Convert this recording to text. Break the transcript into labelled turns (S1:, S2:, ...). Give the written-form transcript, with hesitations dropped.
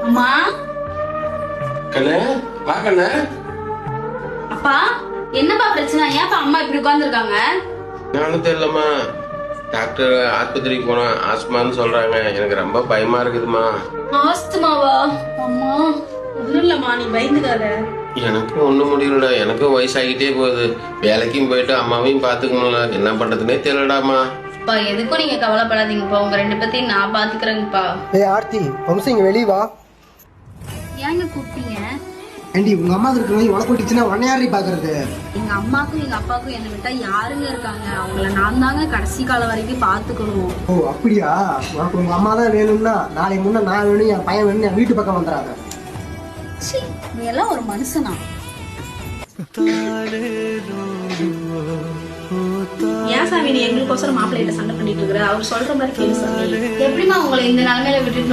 S1: அம்மா
S2: கண்ணே வா கண்ணே.
S1: அப்பா என்னப்பா பிரச்சனை? ஏன்ப்பா அம்மா இப்படி உட்கார்ந்துருக்காங்க?
S2: நானும் தெரியலம்மா. டாக்டர் ஆஸ்பத்திரிக்கு போனா ஆஸ்மான்னு சொல்றாங்க. எனக்கு ரொம்ப பயமா இருக்குதுமா.
S1: ஆஸ்துமாவா? அம்மா ஒண்ணும் இல்லம்மா, நீ பயந்துக்காத.
S2: எனக்கும் ஒண்ணும் முடியலடா. எனக்கும் வயசாகிட்டே போகுது. வேலைக்கும் போயிட்டு அம்மாவையும் பாத்துக்கணும்ல. என்ன பண்றதுன்னே தெரியலடாமா.
S1: அப்பா எதுக்கும் நீங்க கவலைப்படாதீங்கப்பா, உங்க ரெண்டு பேத்தையும் நான் பாத்துக்கிறேங்கப்பா.
S3: ஏய் ஆர்த்தி, வம்சம் இங்க வெளியே வா.
S1: ஏங்க கூப்பிட்டீங்க?
S3: ஏண்டி உங்க அம்மா இருக்கிற உனக்கு விட்டுச்சுன்னா உன்னை யாரி பாக்குறது?
S1: எங்க அம்மாக்கும் எங்க அப்பாவுக்கும் என்னை விட்டா யாருங்க இருக்காங்க? அவங்கள நான் தாங்க கடைசி காலம் வரைக்கும் பாத்துக்கணும்.
S3: ஓ அப்படியா? உனக்கு உங்க அம்மா தான் வேணும்னா நாளைக்கு முன்ன நான் வேணும், என் பையன் வேணும், என் வீட்டு பக்கம் வந்துடாத.
S1: நீ எல்லாம் ஒரு மனுஷனா? ஏன் சாமி நீ எங்களுக்கோசரம் மாப்பிள்ளைகிட்ட சண்டை பண்ணிட்டு இருக்கிற? அவர் சொல்ற மாதிரி கேளு சாமி. எப்படிமா உங்களை இந்த நிலைமையில விட்டுட்டு